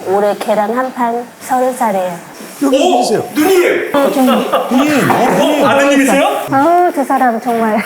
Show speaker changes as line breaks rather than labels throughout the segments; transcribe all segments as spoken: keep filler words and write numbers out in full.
올해 계란 한 판 서른 살이에요.
여기 계세요.
누님!
누님, 어,
아드님이세요?
아우, 두 사람 정말.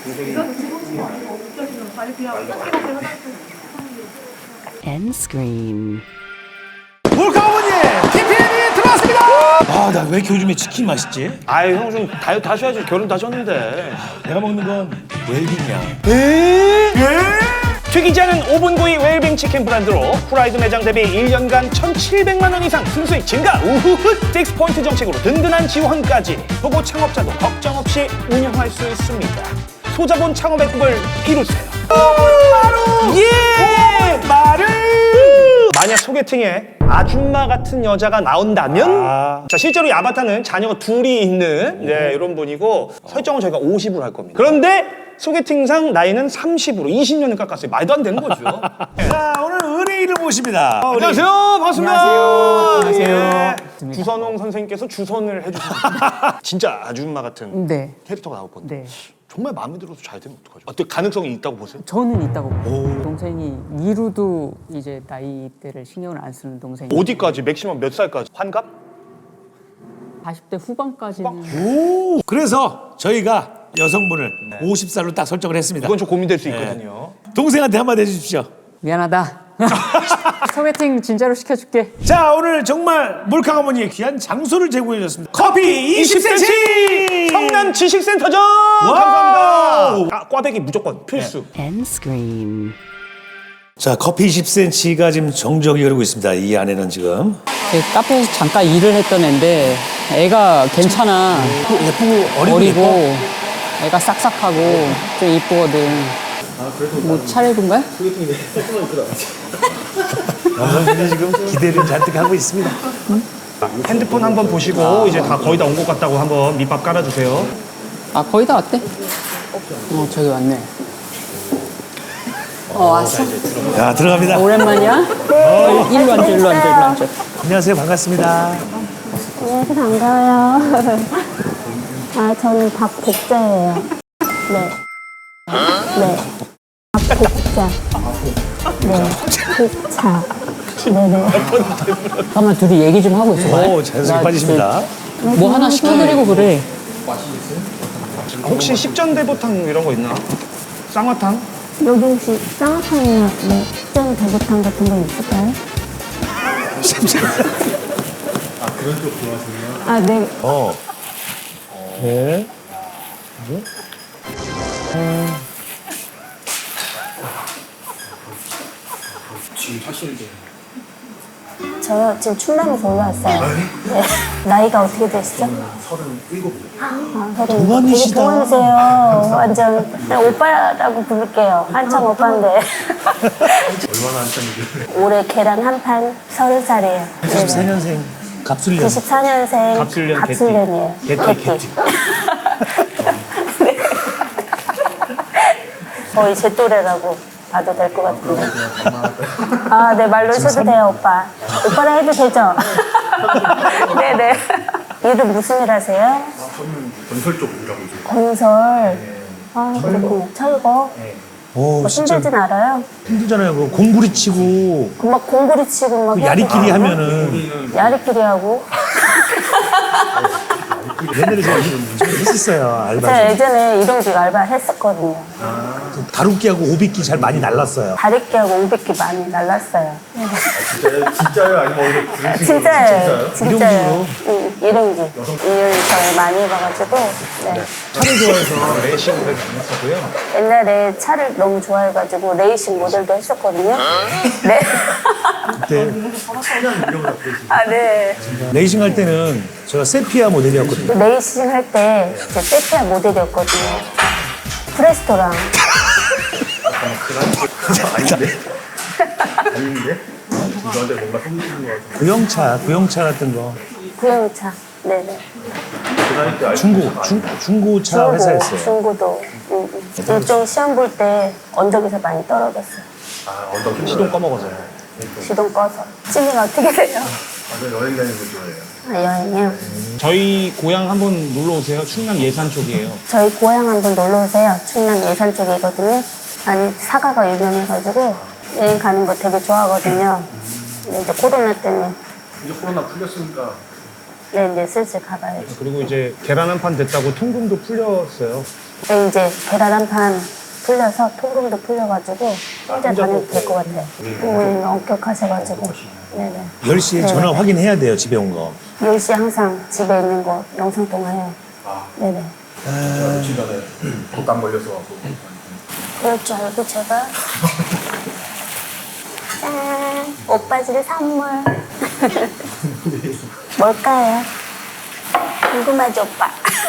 End screen.
몰카어머니 티피엠이 들어왔습니다. 아, 나 왜 이렇게 요즘에 치킨 맛있지?
아유, 형 좀 다이어트 하셔야지. 결혼 다 하셨는데.
내가 먹는 건 웰빙이야.
에? 튀기지 않은 오븐구이 웰빙 치킨 브랜드로 후라이드 매장 대비 일 년간 천칠백만 원 이상 순수익 증가. 우후훗. 식스 포인트 정책으로 든든한 지원까지. 초보 창업자도 걱정 없이 운영할 수 있습니다. 소자본 창업의 꿈을 이루세요. 마루! 예! 마루! 만약 소개팅에 아줌마 같은 여자가 나온다면
아.
자, 실제로 이 아바타는 자녀가 둘이 있는 네, 이런 분이고 설정은 저희가 오십으로 할 겁니다. 그런데 소개팅상 나이는 삼십으로 이십 년을 깎았어요. 말도 안 되는 거죠.
자, 오늘 의뢰인을 모십니다. 어, 우리
안녕하세요. 반갑습니다.
안녕하세요.
예. 주선홍 선생님께서 주선을 해주셨습니다. 진짜 아줌마 같은
네.
캐릭터가 나올 건데
네.
정말 마음에 들어서 잘 되면 어떡하죠? 어떻게 가능성이 있다고 보세요?
저는 있다고 봐요. 동생이 미루도 이제 나이대를 신경을 안 쓰는 동생이
어디까지? 맥시멈 몇 살까지? 환갑?
사십 대 후반까지는
오, 그래서 저희가 여성분을 오십 살로 딱 설정을 했습니다.
이건 좀 고민될 수 있거든요.
동생한테 한마디 해주십시오.
미안하다. 소개팅 진짜로 시켜줄게.
자, 오늘 정말 몰카 어머니의 귀한 장소를 제공해 줬습니다. 커피 이십 센티!
성남 지식센터죠. 감사합니다. 아, 꽈배기 무조건 필수.
End screen.
자, 커피 이십 센티가 지금 정적이 흐르고 있습니다. 이 안에는 지금
제 카페에서 잠깐 일을 했던 애인데 애가 괜찮아.
예쁘고 어리고,
어리고
예뻐?
애가 싹싹하고 좀 이쁘거든. 뭐 차례군가요?
남성분이 지금 기대를 잔뜩 하고 있습니다.
핸드폰 한번 보시고 이제 다 거의 다 온 것 같다고 한번 밑밥 깔아주세요.
아 거의 다 왔대? 어 저기 왔네. 어 왔어?
자, 들어갑니다.
오랜만이야? 어, 일로 앉아 일로 앉아 일로 앉아.
안녕하세요. 반갑습니다.
안녕하세요. 반가워요. 아, 저는 박복자예요. 네. 네. 박복자. 네. 복차. 네네.
잠깐만 둘이 얘기 좀 하고 있어.
오, 자연스럽게 빠지십니다.
뭐 하나 시켜드리고 그래.
혹시 십전대보탕 이런 거 있나? 쌍화탕?
여기 혹시 쌍화탕이나 뭐 식전 대구탕 같은 거 있을까요? 아, 그런 쪽 좋아하시네요? 아, 네.
어. 네.
저요, 지금 충남에서 올라왔어요. 네. 나이가 어떻게 되시죠? 서른일곱이요. 아, 서른.
동안이시다.
되게 동안이세요. 완전. 그냥 오빠라고 부를게요. 한참 오빠인데. 얼마나 한참이죠? 올해 계란 한 판 서른 살이에요.
구십사 년생 갑술년.
구십사 년생
갑술년
갑술년이에요.
개띠. 개띠.
네. 거의 제 또래라고 봐도 될 것 같은데. 아, 네, 말로 해도 돼요, 오빠. 오빠라 해도 되죠? 네네. 일은 무슨 일 하세요?
저는 건설 쪽 일하고 있어요.
건설. 아, 그렇군요. 철거.
오,
뭐
진짜
힘들진 알아요?
힘들잖아요. 그 공구리 치고
그 막 공구리 치고 막.
그
해야
야리끼리
되고.
하면은
야리끼리 하고.
옛날에 제가 좀 했었어요. 알바.
제가 예전에 이동직 알바 했었거든요.
다루기하고 오비끼 잘 많이 날랐어요.
다리끼하고 오백기 많이 날랐어요.
진짜요? 진짜요? 아니면 오늘 그런 식으로
진짜예요. 진짜예요.
일용직으로?
응, 일용직. 일을 저희 많이 해봐가지고. 네.
차를 좋아해서 레이싱을 했었고요.
옛날에 차를 너무 좋아해가지고 레이싱 모델도 했었거든요. 네.
그때
아, 네.
레이싱 할 때는 제가 세피아 모델이었거든요.
레이싱 할 때 제 세피아 모델이었거든요. 프레스토랑.
아닌데? 아닌데? 너한테 뭔가 숨기는 거 같아.
구형차, 구형차 같은 거.
구형차. 네네.
그 나이 때 알고
중고, 중, 중고차 회사였어요.
중고도. 응, 응. 일종 시험 볼 때 언덕에서 많이 떨어졌어요.
아, 언덕
시동 꺼먹어서요.
시동 꺼서. 취미가 어떻게 돼요?
아, 저 여행 다니는 거 좋아해요.
아, 여행이요?
저희 고향 한번 놀러 오세요. 충남 예산 쪽이에요.
저희 고향 한번 놀러 오세요. 충남 예산 쪽이거든요. 아니, 사과가 유명해가지고 여행 가는 거 되게 좋아하거든요. 네, 이제 코로나 때문에
이제 코로나 풀렸으니까
네, 이제 슬슬 가봐야지.
그리고 이제 계란 한 판 됐다고 통금도 풀렸어요.
네, 이제 계란 한 판 풀려서 통금도 풀려가지고 혼자 다녀도 될 것 같아요. 부모님 엄격하셔가지고. 네네.
열 시에
네.
전화 확인해야 돼요, 집에 온 거.
열 시 항상 집에 있는 거 영상 통화해요.
아.
네네.
며칠 전에 독감 걸려서 갖고
그럴 줄 알고 제가 짠! 오빠 줄 선물. 뭘까요? 궁금하지 오빠?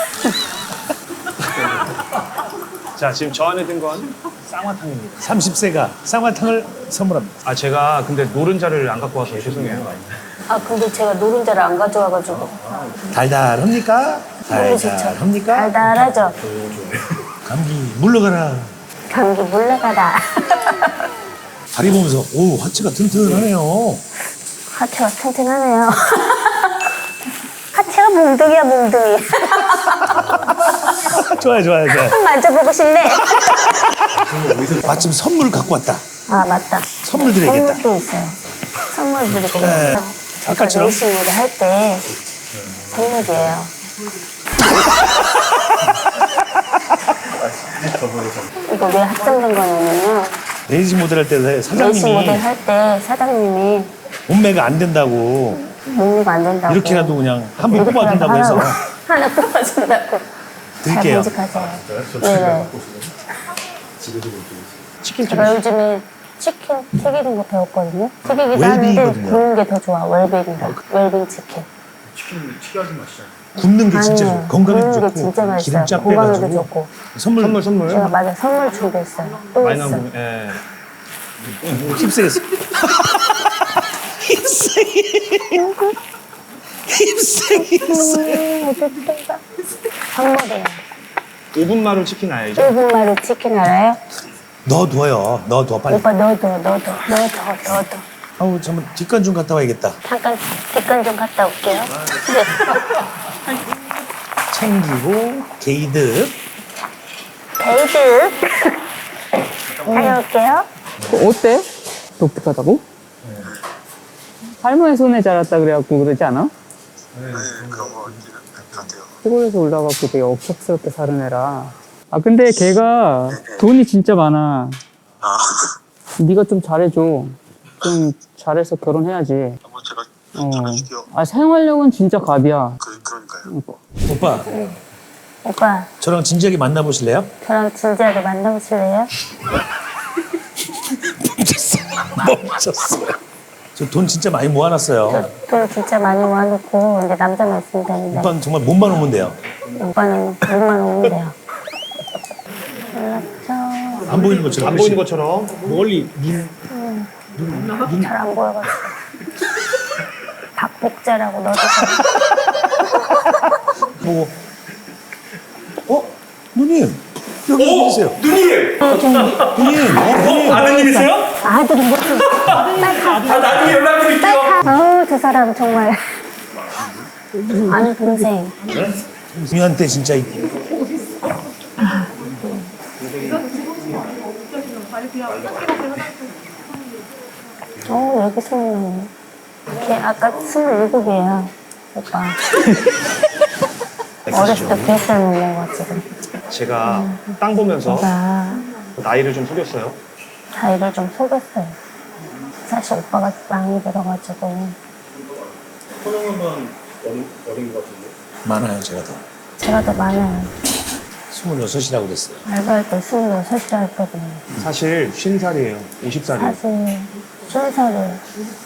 자, 지금 저 안에 든 건 쌍화탕입니다.
삼십 세가 쌍화탕을 선물합니다.
아, 제가 근데 노른자를 안 갖고 와서 죄송해요.
아 근데 제가 노른자를 안 가져와가지고
달달합니까?
너무 좋죠.
달달합니까?
달달하죠?
감기 물러가라.
감기 물러가라.
다리 보면서 오 하체가 튼튼하네요.
하체가 튼튼하네요. 하체가 몽둥이야 몽둥이.
좋아요, 좋아요, 좋아요.
한번 만져보고 싶네.
마침 선물 갖고 왔다.
아 맞다.
선물 드려야겠다.
선물도 있어요. 선물 드리고.
네. 아까처럼?
레이싱 모드 할 때 선물이에요. 이거 왜 합정된 거냐면요.
레이싱 모델 할 때
레이싱 모델
사장님이
할 때 사장님이
몸매가 안 된다고
몸매가 안 된다고.
이렇게라도 그냥 한 번
이렇게라도
뽑아준다고 해서
하라고. 하나 뽑아준다고.
드릴게요.
잘 간직하세요. 네네.
치킨 좀
제가 요즘에 치킨 튀기는 거 배웠거든요. 튀기기도 하는데
웰빙이거든요.
구운 게 더 좋아. 웰빙이라. 웰빙 치킨.
치킨 튀겨하지 마시잖아요.
굽는 게 진짜
아니에요.
좋고 건강에도
굽는 게
좋고
진짜 맛있어요.
기름 쫙
건강에도
빼가지고
좋고.
선물
선물, 선물.
제가 맞아 선물 준비했어요. 또
많이
있어.
나오고, 예.
힙세겠어. 힙세 힙세겠어.
음, 어쨌든가. 선물이에요.
오 분 마루 치킨 알죠?
일본 말로 치킨 알아요?
넣어둬요. 넣어둬 빨리.
오빠 넣어둬 넣어둬 넣어둬 넣어둬.
아우 잠깐 뒷간 좀 갔다 와야겠다.
잠깐 뒷간 좀 갔다 올게요. 네.
챙기고 게이드.
베이드. 다녀올게요.
그 어때? 독특하다고? 할머니 손에 자랐다 그래갖고 그러지 않아?
네, 그런 거 같아요.
시골에서 올라가고 되게 억척스럽게 사는 애라. 아 근데 걔가 돈이 진짜 많아.
아,
네가 좀 잘해줘. 좀 잘해서 결혼해야지.
뭐 제가
어.
잘해줄게요.
아 생활력은 진짜 갑이야.
그, 그러니까요.
오빠
오빠
저랑 진지하게 만나보실래요?
저랑 진지하게 만나보실래요?
멈췄어요. 저 돈 진짜 많이 모아놨어요.
돈 진짜 많이 모아놓고 이제 남자만 있으면 되는데
오빠는 정말 몸만 오면 돼요.
오빠는 돈만 오면 돼요. 연락처
안 보이는 것처럼.
안 보이는 것처럼.
멀리 눈.
잘 안 보여가지고 박복자라고 넣어주세요.
보고. 어? 누님 여기 계세요.
누님!
누님. 어, 누님.
아드님이세요?
아들이 무슨 빨리 가.
아, 나중에 연락드릴게요.
아우 저 사람 정말 아는 동생.
누님한테 진짜 이-
어 여기 스물네. 걔 아까 스물일곱이에요 오빠. 어렸을 때 뱃살 먹는 거 지금.
제가 땅 보면서
제가
나이를 좀 속였어요.
자기를 좀 속였어요. 사실 오빠가 많이 들어가지고
소영은 어린, 어린 것 같은데.
많아요 제가 더.
제가 더 많아요.
스물여섯이라고 그랬어요.
알바할 때 스물여섯이라 했거든요.
사실 쉰 살이에요. 오십 살이에요.
사실 스무 살이에요.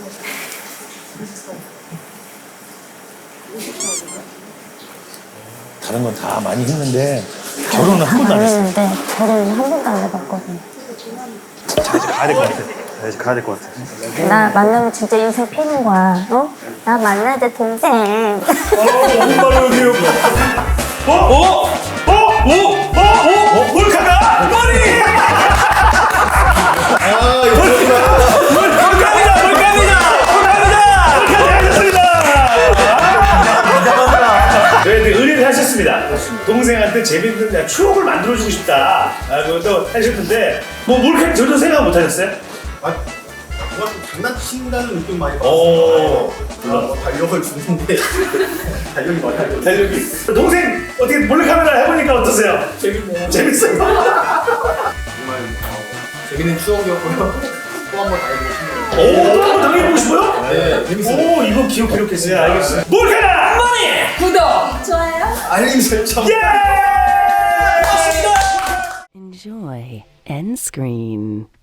다른 건 다 많이 했는데 결혼은 한 번도 안 했어요.
했는데 결혼은 한 번도 안 해봤거든요.
자, 이제 가야 될 것 같아. 자, 이제 가야 될 것 같아.
나 만나면 진짜 인생 피는 거야. 어? 나 만나야 돼 동생.
어? 어? 어? 어? 어? 어? 몰카다? 머리!
아, 이거 그렇구나.
몰카입니다! 몰카입니다! 몰카입니다! 몰카하셨습니다!
저희한테 의뢰를 하셨습니다. 동생한테 재밌는 추억을 만들어주고 싶다. 아, 그것도 하셨는데 뭐 몰카 전혀 생각 못 하셨어요?
아, 누가 좀 장난친다는 느낌 많이
오.
받았어요. 뭐 달력을 주는데 달력이 많이 달려.
달력이. 동생 어떻게 몰래카메라 해보니까 어떠세요?
재밌네요.
재밌어요.
정말 어, 재밌는 추억이었고요. 또 한 번 다해보고 싶네요.
오, 또 한번 당해보고 싶어요?
네, 재밌어요.
오, 이거 기억 기록했어요. 네, 알겠습니다. 몰카라 머니.
구독, 좋아요.
알림 설정.
예!
Enjoy end screen.